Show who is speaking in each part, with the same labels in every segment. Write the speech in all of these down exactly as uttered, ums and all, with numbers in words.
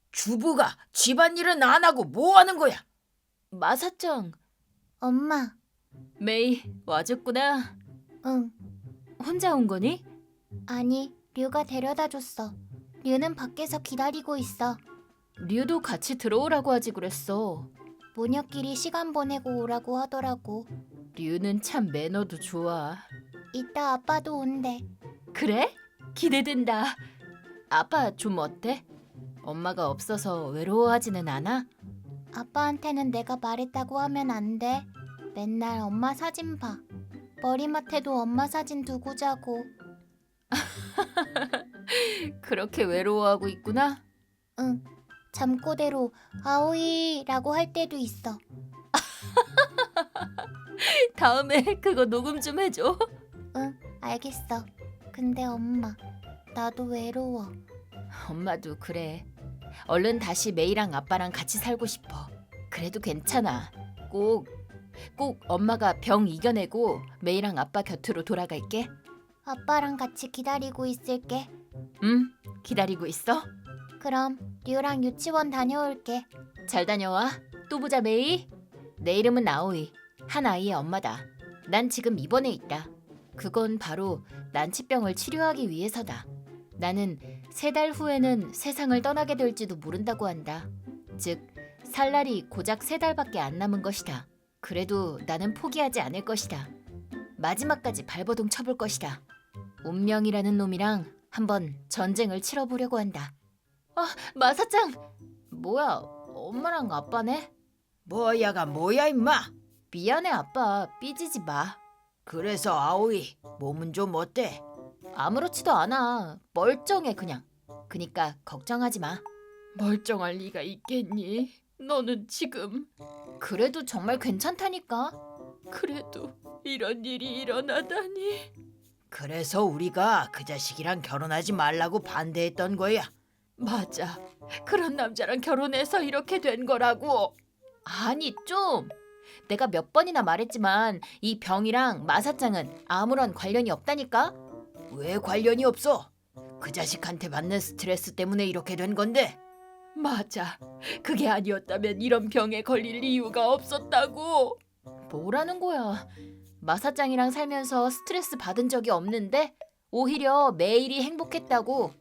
Speaker 1: 주부가 집안일은 안 하고 뭐 하는 거야?
Speaker 2: 마사짱,
Speaker 3: 엄마,
Speaker 2: 메이 와줬구나.
Speaker 3: 응.
Speaker 2: 혼자 온 거니?
Speaker 3: 아니, 류가 데려다 줬어. 류는 밖에서 기다리고 있어.
Speaker 2: 류도 같이 들어오라고 하지 그랬어.
Speaker 3: 모녀끼리 시간 보내고 오라고 하더라고.
Speaker 2: 류는 참 매너도 좋아.
Speaker 3: 이따 아빠도 온대.
Speaker 2: 그래? 기대된다. 아빠 좀 어때? 엄마가 없어서 외로워하지는 않아?
Speaker 3: 아빠한테는 내가 말했다고 하면 안 돼. 맨날 엄마 사진 봐. 머리맡에도 엄마 사진 두고 자고.
Speaker 2: 그렇게 외로워하고 있구나?
Speaker 3: 응. 잠꼬대로 아오이라고 할 때도 있어.
Speaker 2: 다음에 그거 녹음 좀 해줘.
Speaker 3: 응, 알겠어. 근데 엄마, 나도 외로워.
Speaker 2: 엄마도 그래. 얼른 다시 메이랑 아빠랑 같이 살고 싶어. 그래도 괜찮아. 꼭, 꼭 엄마가 병 이겨내고 메이랑 아빠 곁으로 돌아갈게.
Speaker 3: 아빠랑 같이 기다리고 있을게.
Speaker 2: 응, 기다리고 있어.
Speaker 3: 그럼 류랑 유치원 다녀올게.
Speaker 2: 잘 다녀와. 또 보자, 메이. 내 이름은 아오이. 한 아이의 엄마다. 난 지금 입원해 있다. 그건 바로 난치병을 치료하기 위해서다. 나는 세 달 후에는 세상을 떠나게 될지도 모른다고 한다. 즉, 살 날이 고작 세 달밖에 안 남은 것이다. 그래도 나는 포기하지 않을 것이다. 마지막까지 발버둥 쳐볼 것이다. 운명이라는 놈이랑 한번 전쟁을 치러보려고 한다. 아, 마사짱! 뭐야, 엄마랑 아빠네?
Speaker 1: 뭐야가 뭐야 임마?
Speaker 2: 미안해 아빠, 삐지지 마.
Speaker 1: 그래서 아오이 몸은 좀 어때?
Speaker 2: 아무렇지도 않아. 멀쩡해 그냥. 그니까 걱정하지 마. 멀쩡할 리가 있겠니? 너는 지금. 그래도 정말 괜찮다니까. 그래도 이런 일이 일어나다니.
Speaker 1: 그래서 우리가 그 자식이랑 결혼하지 말라고 반대했던 거야.
Speaker 2: 맞아. 그런 남자랑 결혼해서 이렇게 된 거라고. 아니 좀. 내가 몇 번이나 말했지만 이 병이랑 마사짱은 아무런 관련이 없다니까.
Speaker 1: 왜 관련이 없어? 그 자식한테 받는 스트레스 때문에 이렇게 된 건데.
Speaker 2: 맞아. 그게 아니었다면 이런 병에 걸릴 이유가 없었다고. 뭐라는 거야. 마사짱이랑 살면서 스트레스 받은 적이 없는데 오히려 매일이 행복했다고.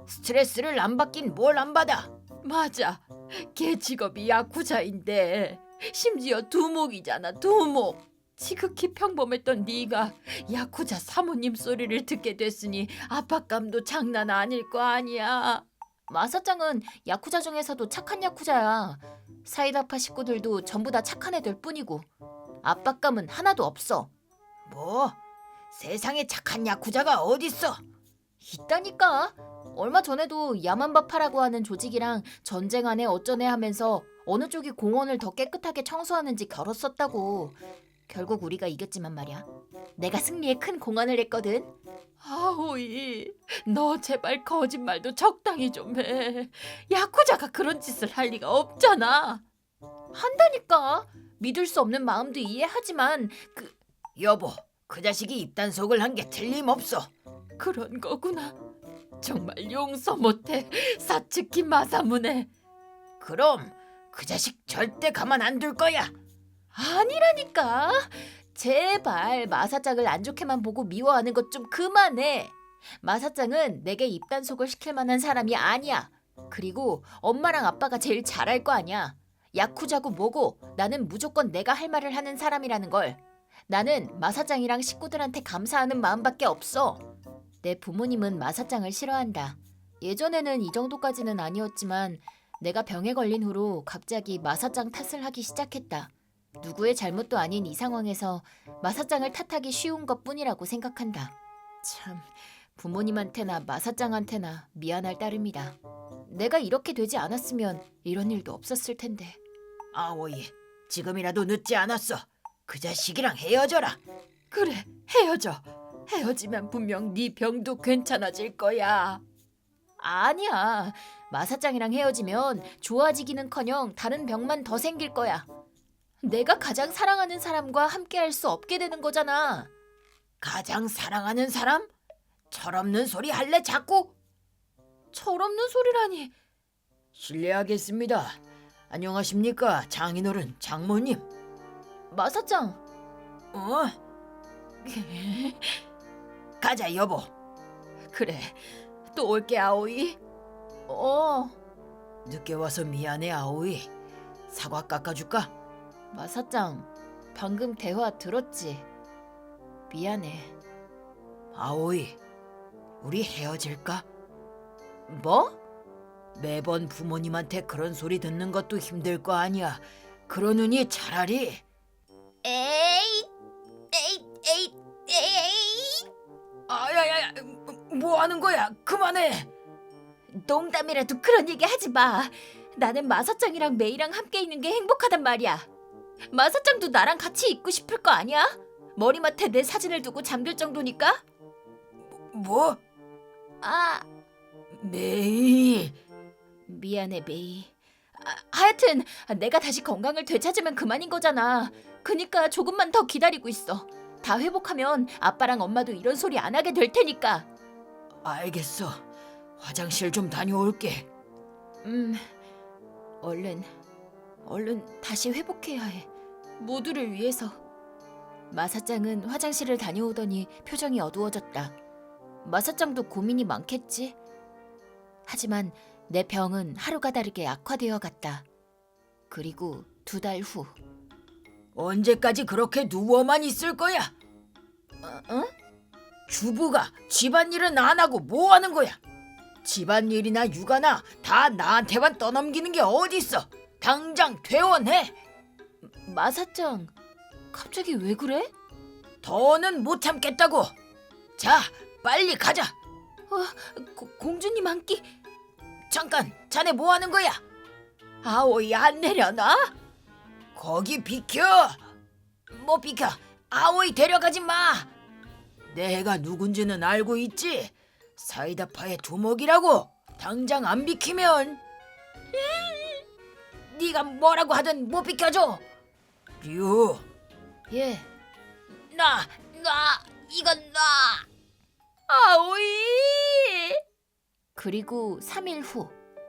Speaker 1: 스트레스를 안 받긴 뭘 안 받아.
Speaker 2: 맞아. 걔 직업이 야쿠자인데 심지어 두목이잖아, 두목. 지극히 평범했던 네가 야쿠자 사모님 소리를 듣게 됐으니 압박감도 장난 아닐 거 아니야. 마사짱은 야쿠자 중에서도 착한 야쿠자야. 사이다파 식구들도 전부 다 착한 애들 뿐이고 압박감은 하나도 없어.
Speaker 1: 뭐? 세상에 착한 야쿠자가 어딨어?
Speaker 2: 있다니까. 얼마 전에도 야만바파라고 하는 조직이랑 전쟁 안에 어쩌네 하면서 어느 쪽이 공원을 더 깨끗하게 청소하는지 겨뤘었다고. 결국 우리가 이겼지만 말이야. 내가 승리에 큰 공헌을 했거든. 아오이, 너 제발 거짓말도 적당히 좀 해. 야쿠자가 그런 짓을 할 리가 없잖아. 한다니까. 믿을 수 없는 마음도 이해하지만 그
Speaker 1: 여보, 그 자식이 입단속을 한 게 틀림없어.
Speaker 2: 그런 거구나. 정말 용서 못해. 사츠키 마사무네.
Speaker 1: 그럼 그 자식 절대 가만 안 둘 거야.
Speaker 2: 아니라니까. 제발 마사짱을 안 좋게만 보고 미워하는 것 좀 그만해. 마사짱은 내게 입단속을 시킬 만한 사람이 아니야. 그리고 엄마랑 아빠가 제일 잘할 거 아니야. 야쿠자고 뭐고 나는 무조건 내가 할 말을 하는 사람이라는 걸. 나는 마사짱이랑 식구들한테 감사하는 마음밖에 없어. 내 부모님은 마사짱을 싫어한다. 예전에는 이 정도까지는 아니었지만 내가 병에 걸린 후로 갑자기 마사짱 탓을 하기 시작했다. 누구의 잘못도 아닌 이 상황에서 마사짱을 탓하기 쉬운 것뿐이라고 생각한다. 참, 부모님한테나 마사짱한테나 미안할 따름이다. 내가 이렇게 되지 않았으면 이런 일도 없었을 텐데.
Speaker 1: 아오이, 지금이라도 늦지 않았어. 그 자식이랑 헤어져라.
Speaker 2: 그래, 헤어져. 헤어지면 분명 네 병도 괜찮아질 거야. 아니야. 마사짱이랑 헤어지면 좋아지기는커녕 다른 병만 더 생길 거야. 내가 가장 사랑하는 사람과 함께할 수 없게 되는 거잖아.
Speaker 1: 가장 사랑하는 사람? 철없는 소리 할래 자꾸?
Speaker 2: 철없는 소리라니.
Speaker 1: 실례하겠습니다. 안녕하십니까, 장인어른, 장모님.
Speaker 2: 마사짱.
Speaker 1: 어? 가자, 여보.
Speaker 2: 그래. 또 올게, 아오이. 어.
Speaker 1: 늦게 와서 미안해, 아오이. 사과 깎아줄까?
Speaker 2: 마사짱, 방금 대화 들었지? 미안해.
Speaker 1: 아오이, 우리 헤어질까?
Speaker 2: 뭐?
Speaker 1: 매번 부모님한테 그런 소리 듣는 것도 힘들 거 아니야. 그러느니 차라리.
Speaker 3: 에이, 에이, 에이, 에이.
Speaker 1: 아야야야, 뭐 하는 거야? 그만해.
Speaker 2: 농담이라도 그런 얘기 하지 마. 나는 마사짱이랑 메이랑 함께 있는 게 행복하단 말이야. 마사짱도 나랑 같이 있고 싶을 거 아니야? 머리맡에 내 사진을 두고 잠들 정도니까?
Speaker 1: 뭐?
Speaker 2: 아,
Speaker 1: 메이.
Speaker 2: 미안해 메이. 아, 하여튼 내가 다시 건강을 되찾으면 그만인 거잖아. 그니까 조금만 더 기다리고 있어. 다 회복하면 아빠랑 엄마도 이런 소리 안 하게 될 테니까.
Speaker 1: 알겠어. 화장실 좀 다녀올게.
Speaker 2: 음, 얼른, 얼른 다시 회복해야 해. 모두를 위해서. 마사짱은 화장실을 다녀오더니 표정이 어두워졌다. 마사짱도 고민이 많겠지. 하지만 내 병은 하루가 다르게 악화되어 갔다. 그리고 두 달 후.
Speaker 1: 언제까지 그렇게 누워만 있을 거야?
Speaker 2: 어? 어?
Speaker 1: 주부가 집안일은 안 하고 뭐 하는 거야? 집안일이나 육아나 다 나한테만 떠넘기는 게 어딨어? 당장 퇴원해.
Speaker 2: 마사짱, 갑자기 왜 그래?
Speaker 1: 더는 못 참겠다고. 자, 빨리 가자.
Speaker 2: 고, 공주님 한 끼.
Speaker 1: 잠깐, 자네 뭐 하는 거야?
Speaker 2: 아오이 안 내려놔?
Speaker 1: 거기 비켜. 뭐 비켜? 아오이 데려가지 마. 내가 누군지는 알고 있지. 사이다파의 두목이라고. 당장 안 비키면 네가 뭐라고 하든 못 비켜줘. 류,
Speaker 2: 예.
Speaker 1: 나, 나, 이건 나.
Speaker 2: 아오이. 그리고 삼 일 후.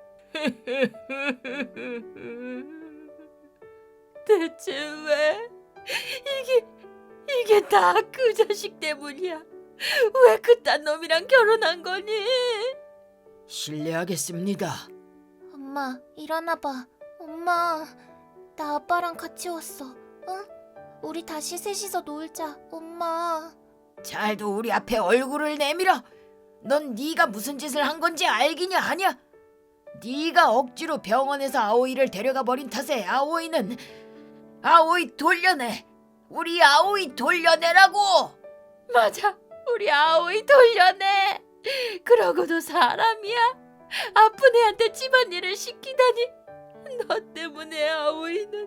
Speaker 2: 대체 왜? 이게 이게 다 그 자식 때문이야. 왜 그딴 놈이랑 결혼한 거니?
Speaker 1: 실례하겠습니다.
Speaker 3: 엄마, 일어나봐. 엄마, 나 아빠랑 같이 왔어. 응? 우리 다시 셋이서 놀자. 엄마.
Speaker 1: 잘도 우리 앞에 얼굴을 내밀어. 넌 네가 무슨 짓을 한 건지 알기냐 하냐? 네가 억지로 병원에서 아오이를 데려가 버린 탓에 아오이는 아오이 돌려내. 우리 아오이 돌려내라고.
Speaker 2: 맞아. 우리 아오이 돌려내. 그러고도 사람이야? 아픈 애한테 집안일을 시키다니. 너 때문에 아오이는.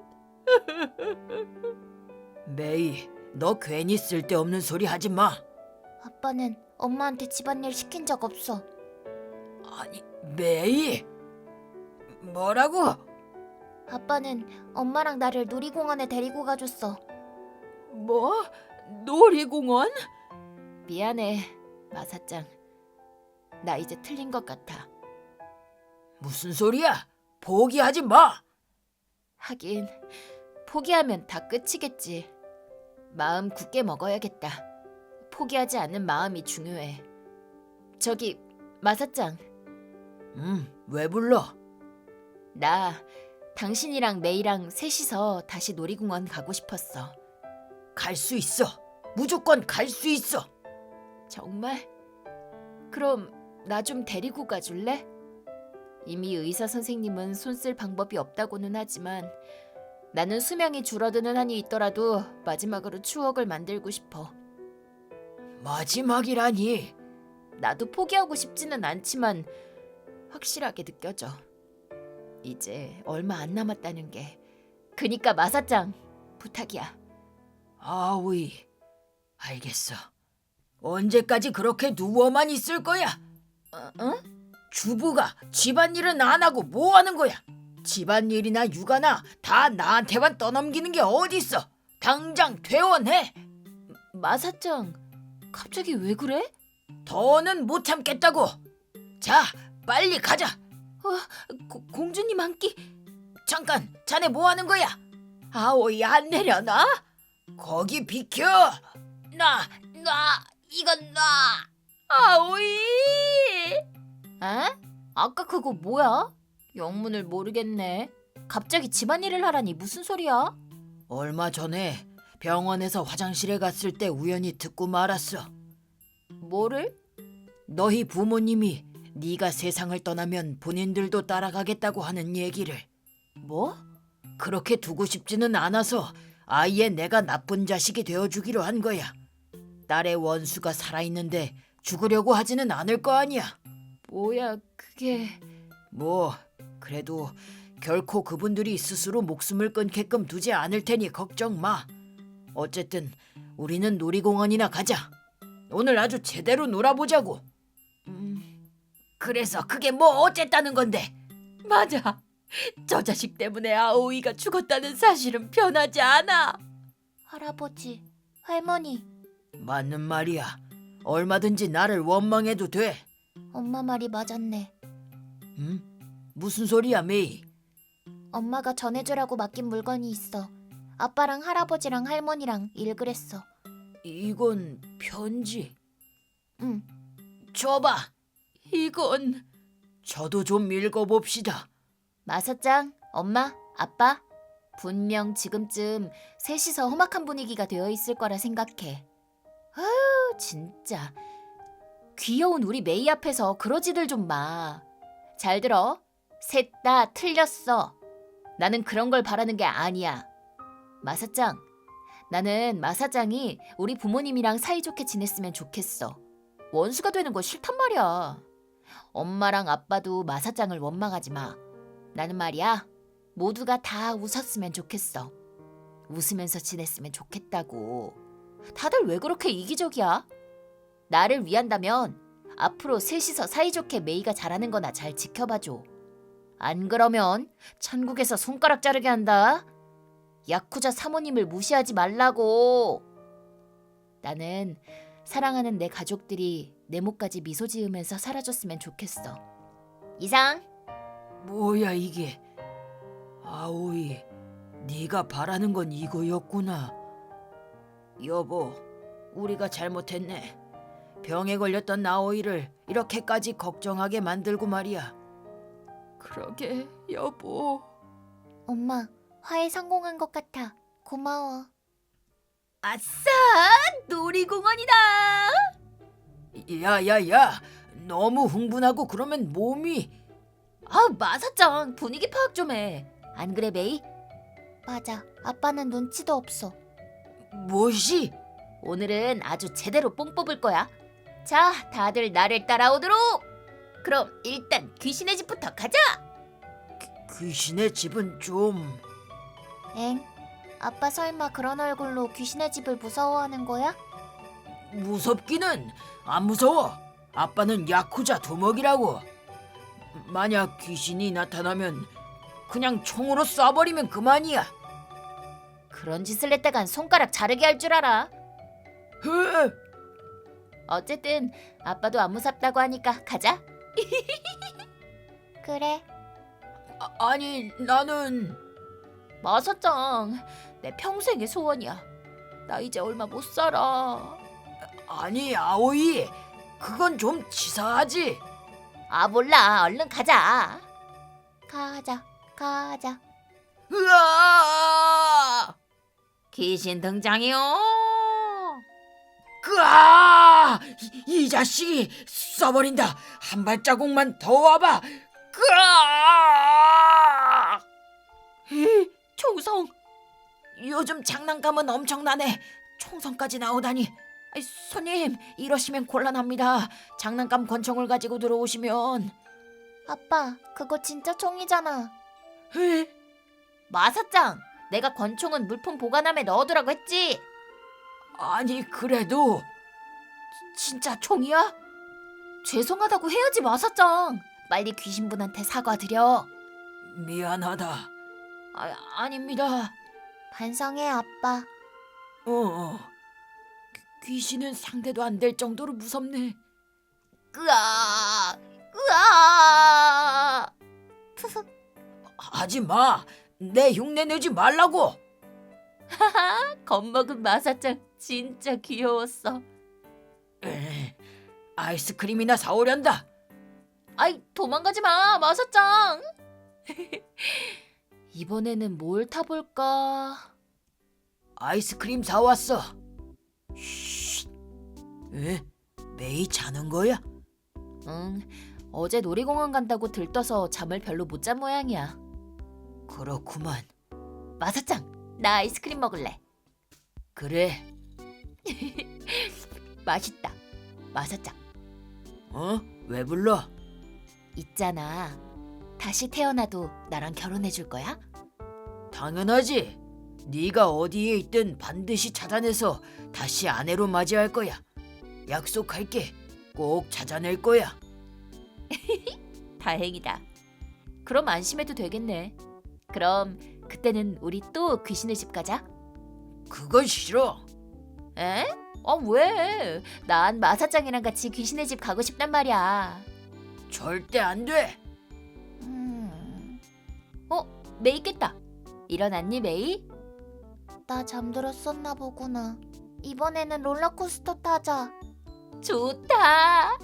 Speaker 1: 메이, 너 괜히 쓸데없는 소리 하지 마.
Speaker 3: 아빠는 엄마한테 집안일 시킨 적 없어.
Speaker 1: 아니, 메이. 뭐라고?
Speaker 3: 아빠는 엄마랑 나를 놀이공원에 데리고 가줬어.
Speaker 2: 뭐? 놀이공원? 미안해, 마사짱. 나 이제 틀린 것 같아.
Speaker 1: 무슨 소리야? 포기하지 마.
Speaker 2: 하긴 포기하면 다 끝이겠지. 마음 굳게 먹어야겠다. 포기하지 않는 마음이 중요해. 저기 마사짱,
Speaker 1: 음, 왜 불러?
Speaker 2: 나 당신이랑 메이랑 셋이서 다시 놀이공원 가고 싶었어.
Speaker 1: 갈 수 있어. 무조건 갈 수 있어.
Speaker 2: 정말? 그럼 나 좀 데리고 가줄래? 이미 의사 선생님은 손 쓸 방법이 없다고는 하지만 나는 수명이 줄어드는 한이 있더라도 마지막으로 추억을 만들고 싶어.
Speaker 1: 마지막이라니.
Speaker 2: 나도 포기하고 싶지는 않지만 확실하게 느껴져. 이제 얼마 안 남았다는 게. 그니까 마사짱, 부탁이야.
Speaker 1: 아오이, 알겠어. 언제까지 그렇게 누워만 있을 거야?
Speaker 2: 어? 어?
Speaker 1: 주부가 집안일은 안 하고 뭐 하는 거야? 집안일이나 육아나 다 나한테만 떠넘기는 게 어딨어? 당장 퇴원해.
Speaker 2: 마사짱, 갑자기 왜 그래?
Speaker 1: 더는 못 참겠다고. 자, 빨리 가자.
Speaker 2: 고, 공주님 한 끼.
Speaker 1: 잠깐, 자네 뭐 하는 거야? 아오이 안 내려놔? 거기 비켜. 놔, 놔, 이건 놔.
Speaker 2: 아오이. 에? 아까 그거 뭐야? 영문을 모르겠네. 갑자기 집안일을 하라니 무슨 소리야?
Speaker 1: 얼마 전에 병원에서 화장실에 갔을 때 우연히 듣고 말았어.
Speaker 2: 뭐를?
Speaker 1: 너희 부모님이 네가 세상을 떠나면 본인들도 따라가겠다고 하는 얘기를.
Speaker 2: 뭐?
Speaker 1: 그렇게 두고 싶지는 않아서 아예 내가 나쁜 자식이 되어주기로 한 거야. 딸의 원수가 살아있는데 죽으려고 하지는 않을 거 아니야.
Speaker 2: 뭐야 그게...
Speaker 1: 뭐 그래도 결코 그분들이 스스로 목숨을 끊게끔 두지 않을 테니 걱정 마. 어쨌든 우리는 놀이공원이나 가자. 오늘 아주 제대로 놀아보자고.
Speaker 2: 음...
Speaker 1: 그래서 그게 뭐 어쨌다는 건데?
Speaker 2: 맞아. 저 자식 때문에 아오이가 죽었다는 사실은 변하지 않아.
Speaker 3: 할아버지, 할머니,
Speaker 1: 맞는 말이야. 얼마든지 나를 원망해도 돼.
Speaker 3: 엄마 말이 맞았네.
Speaker 1: 응? 무슨 소리야, 메이?
Speaker 3: 엄마가 전해주라고 맡긴 물건이 있어. 아빠랑 할아버지랑 할머니랑 읽으랬어.
Speaker 1: 이건 편지.
Speaker 3: 응.
Speaker 1: 줘봐.
Speaker 2: 이건...
Speaker 1: 저도 좀 읽어봅시다.
Speaker 2: 마사짱, 엄마, 아빠, 분명 지금쯤 셋이서 험악한 분위기가 되어 있을 거라 생각해. 아유, 진짜. 귀여운 우리 메이 앞에서 그러지들 좀 마. 잘 들어. 셋 다 틀렸어. 나는 그런 걸 바라는 게 아니야. 마사짱, 나는 마사짱이 우리 부모님이랑 사이좋게 지냈으면 좋겠어. 원수가 되는 거 싫단 말이야. 엄마랑 아빠도 마사짱을 원망하지 마. 나는 말이야, 모두가 다 웃었으면 좋겠어. 웃으면서 지냈으면 좋겠다고. 다들 왜 그렇게 이기적이야? 나를 위한다면 앞으로 셋이서 사이좋게 메이가 잘하는 거나 잘 지켜봐줘. 안 그러면 천국에서 손가락 자르게 한다. 야쿠자 사모님을 무시하지 말라고. 나는 사랑하는 내 가족들이 내 목까지 미소 지으면서 사라졌으면 좋겠어. 이상.
Speaker 1: 뭐야 이게? 아오이, 네가 바라는 건 이거였구나. 여보, 우리가 잘못했네. 병에 걸렸던 아오이를 이렇게까지 걱정하게 만들고 말이야.
Speaker 2: 그러게, 여보.
Speaker 3: 엄마, 화해 성공한 것 같아. 고마워.
Speaker 2: 아싸! 놀이공원이다!
Speaker 1: 야야야, 너무 흥분하고 그러면 몸이...
Speaker 2: 아, 마사짱, 분위기 파악 좀 해. 안 그래, 메이?
Speaker 3: 맞아. 아빠는 눈치도 없어.
Speaker 1: 무엇이?
Speaker 2: 오늘은 아주 제대로 뽕 뽑을 거야. 자, 다들 나를 따라오도록. 그럼 일단 귀신의 집부터 가자.
Speaker 1: 귀신의 집은 좀...
Speaker 3: 엥? 아빠 설마 그런 얼굴로 귀신의 집을 무서워하는 거야?
Speaker 1: 무섭기는 안 무서워. 아빠는 야쿠자 두목이라고. 만약 귀신이 나타나면 그냥 총으로 쏴버리면 그만이야.
Speaker 2: 그런 짓을 했다간 손가락 자르게 할 줄 알아.
Speaker 1: 흐!
Speaker 2: 어쨌든 아빠도 안 무섭다고 하니까 가자.
Speaker 3: 그래.
Speaker 1: 아, 아니 나는...
Speaker 2: 마사짱, 내 평생의 소원이야. 나 이제 얼마 못 살아.
Speaker 1: 아니 아오이, 그건 좀 치사하지.
Speaker 2: 아, 몰라. 얼른 가자.
Speaker 3: 가자, 가자.
Speaker 1: 으아!
Speaker 2: 귀신 등장이요.
Speaker 1: 으아! 이, 이 자식이 쏴버린다. 한 발자국만 더 와봐. 으아!
Speaker 2: 에, 총성.
Speaker 1: 요즘 장난감은 엄청나네. 총성까지 나오다니. 아이, 손님, 이러시면 곤란합니다. 장난감 권총을 가지고 들어오시면...
Speaker 3: 아빠, 그거 진짜 총이잖아.
Speaker 1: 에?
Speaker 2: 마사짱, 내가 권총은 물품 보관함에 넣어두라고 했지.
Speaker 1: 아니 그래도...
Speaker 2: 진짜 총이야? 죄송하다고 해야지, 마사짱. 빨리 귀신분한테 사과드려.
Speaker 1: 미안하다. 아, 아닙니다.
Speaker 3: 반성해, 아빠.
Speaker 1: 어, 어. 귀신은 상대도 안 될 정도로 무섭네.
Speaker 2: 으아, 으아.
Speaker 1: 하지 마. 내 흉내 내지 말라고.
Speaker 2: 겁먹은 마사짱 진짜 귀여웠어.
Speaker 1: 에이, 아이스크림이나 사오련다.
Speaker 2: 아이, 도망가지 마, 마사짱. 이번에는 뭘 타볼까?
Speaker 1: 아이스크림 사왔어. 쉿. 에? 메이 자는 거야?
Speaker 2: 응, 어제 놀이공원 간다고 들떠서 잠을 별로 못 잔 모양이야.
Speaker 1: 그렇구만.
Speaker 2: 마사짱, 나 아이스크림 먹을래.
Speaker 1: 그래.
Speaker 2: 맛있다. 마사짱,
Speaker 1: 어? 왜 불러?
Speaker 2: 있잖아. 다시 태어나도 나랑 결혼해 줄 거야?
Speaker 1: 당연하지. 네가 어디에 있든 반드시 찾아내서 다시 아내로 맞이할 거야. 약속할게. 꼭 찾아낼 거야.
Speaker 2: 다행이다. 그럼 안심해도 되겠네. 그럼 그때는 우리 또 귀신의 집 가자.
Speaker 1: 그건 싫어.
Speaker 2: 에? 아, 왜? 난 마사짱이랑 같이 귀신의 집 가고 싶단 말이야.
Speaker 1: 절대 안 돼.
Speaker 3: 음,
Speaker 2: 메이 깼다. 일어났니, 메이?
Speaker 3: 나 잠들었었나 보구나. 이번에는 롤러코스터 타자.
Speaker 2: 좋다.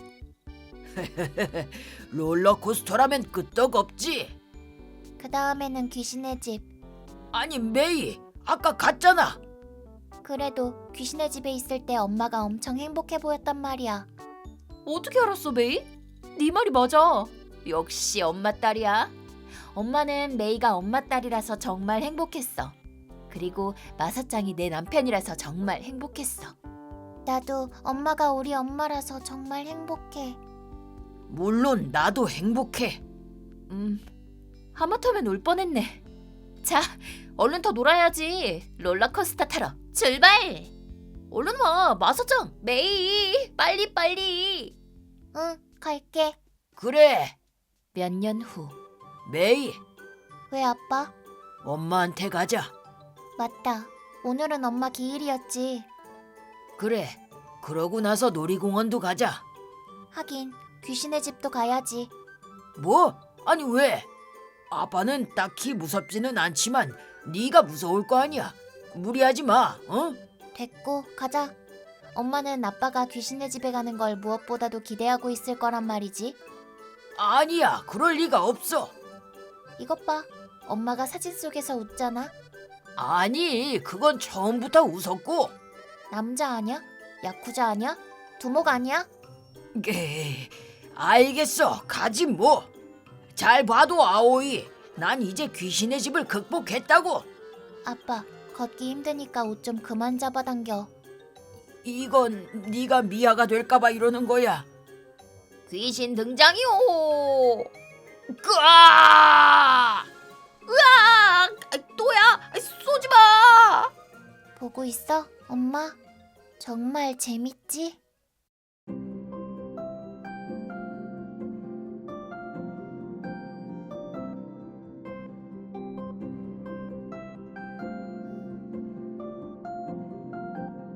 Speaker 1: 롤러코스터라면 끄떡없지.
Speaker 3: 그 다음에는 귀신의 집.
Speaker 1: 아니 메이, 아까 갔잖아.
Speaker 3: 그래도 귀신의 집에 있을 때 엄마가 엄청 행복해 보였단 말이야.
Speaker 2: 어떻게 알았어, 메이? 네 말이 맞아. 역시 엄마 딸이야. 엄마는 메이가 엄마 딸이라서 정말 행복했어. 그리고 마사짱이 내 남편이라서 정말 행복했어.
Speaker 3: 나도 엄마가 우리 엄마라서 정말 행복해.
Speaker 1: 물론 나도 행복해.
Speaker 2: 음, 하마터면 울 뻔했네. 자, 얼른 더 놀아야지. 롤러코스터 타러 출발! 얼른 와, 마사짱, 메이, 빨리 빨리.
Speaker 3: 응, 갈게.
Speaker 1: 그래.
Speaker 2: 몇 년 후.
Speaker 1: 메이,
Speaker 3: 왜 아빠?
Speaker 1: 엄마한테 가자.
Speaker 3: 맞다. 오늘은 엄마 기일이었지.
Speaker 1: 그래. 그러고 나서 놀이공원도 가자.
Speaker 3: 하긴 귀신의 집도 가야지.
Speaker 1: 뭐? 아니 왜? 아빠는 딱히 무섭지는 않지만 네가 무서울 거 아니야. 무리하지 마. 어?
Speaker 3: 됐고 가자. 엄마는 아빠가 귀신의 집에 가는 걸 무엇보다도 기대하고 있을 거란 말이지.
Speaker 1: 아니야. 그럴 리가 없어.
Speaker 3: 이것 봐. 엄마가 사진 속에서 웃잖아.
Speaker 1: 아니, 그건 처음부터 웃었고.
Speaker 3: 남자 아냐? 야쿠자 아냐? 두목 아니야?
Speaker 1: 게, 알겠어. 가지 뭐. 잘 봐도 아오이. 난 이제 귀신의 집을 극복했다고.
Speaker 3: 아빠, 걷기 힘드니까 옷 좀 그만 잡아당겨.
Speaker 1: 이건 네가 미아가 될까봐 이러는 거야.
Speaker 2: 귀신 등장이오.
Speaker 1: 으아!
Speaker 2: 아, 또야? 쏘지 마.
Speaker 3: 보고 있어, 엄마? 정말 재밌지?